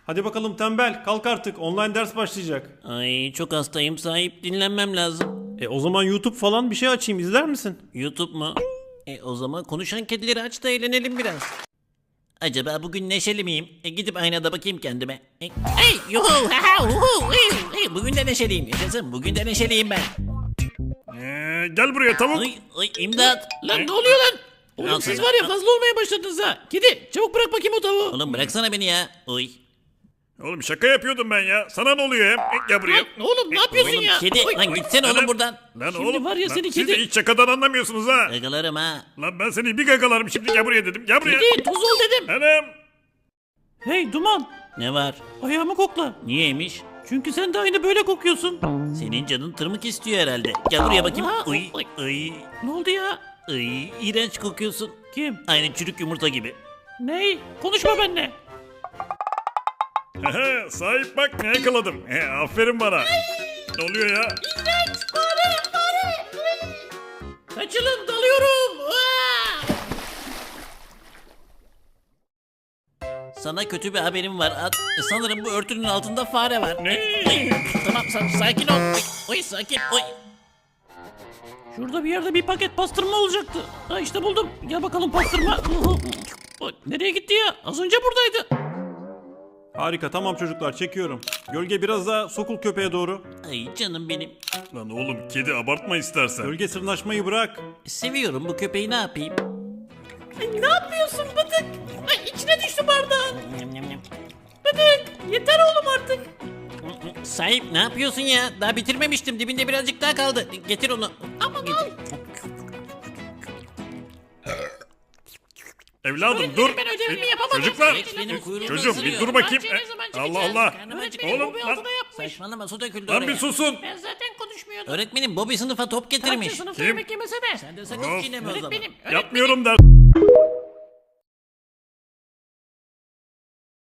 Hadi bakalım tembel, kalk artık, online ders başlayacak. Ay çok hastayım sahip, dinlenmem lazım. O zaman YouTube falan bir şey açayım, izler misin? YouTube mu? O zaman konuşan kedileri aç da eğlenelim biraz. Acaba bugün neşeli miyim? Gidip aynada bakayım kendime. Hey, yuhu, ha, uhu, bugün de neşeliyim. Yaşasın, bugün de neşeliyim ben. Gel buraya tavuk. Ay, imdat. Lan ne oluyor lan? Oğlum Al siz sana. var ya fazla olmaya başladınız ha. Kedi çabuk bırak bakayım o tavuğu. Oğlum bıraksana beni ya. Oy. Oğlum şaka yapıyordum ben ya. Sana ne oluyor hem? Gel buraya. Lan oğlum ne yapıyorsun Oğlum ya? kedi. Oy, Lan gitsene oğlum buradan. Lan Şimdi oğlum. var ya lan seni siz de kedi- hiç şakadan anlamıyorsunuz ha. Yakalarım ha. Lan ben seni bir gagalarım şimdi gel buraya dedim. Gel buraya. Kedi tuz ol dedim. Anam. Hey Duman Ne var? ayağımı kokla. Niyeymiş? Çünkü sen de aynı böyle kokuyorsun. Senin canın tırmık istiyor herhalde. Gel buraya bakayım. Ha, Oy. oy. Oy. Ne oldu ya? Oy. İğrenç kokuyorsun. Kim? Aynı çürük yumurta gibi. Ney? Konuşma benimle. Sahip bak ne yakaladım. Aferin bana. Ne oluyor ya? Kaçılın dalıyorum. Sana kötü bir haberim var. Sanırım bu örtünün altında fare var. Ne? Tamam sakin ol. Oy sakin. Oy. Şurada bir yerde bir paket pastırma olacaktı. Ha işte buldum. Gel bakalım pastırma. Oy, nereye gitti ya? Az önce buradaydı. Harika, tamam çocuklar, çekiyorum. Gölge biraz daha sokul köpeğe doğru. Ay canım benim. Lan oğlum kedi abartma istersen. Gölge sırnaşmayı bırak. Seviyorum bu köpeği, ne yapayım? Ay, ne yapıyorsun Bıdık? Ay içine düştü bardağın. Nyam, nyam, nyam. Bıdık yeter oğlum artık. Sahip ne yapıyorsun ya? Daha bitirmemiştim. Dibinde birazcık daha kaldı. Getir onu. Aman al. Evladım dur. Ben ödevimi yapamadım. Çocuklar. Benim kuyruğumu Çocuğum ısırıyor. bir dur bakayım. Bahçeye ne zaman Allah çıkacağız? Allah. Karnım acıktı. Öğretmenim Oğlum Bobby lan. altına yapmış. Saçmalama, su döküldü Lan oraya. bir susun. Ben zaten konuşmuyordum. Öğretmenim Bobby sınıfa top getirmiş. Sınıfta Kim? yemek yemesene. Sen de sakın Of. çiğneme o zaman. Öğretmenim. Yapmıyorum der.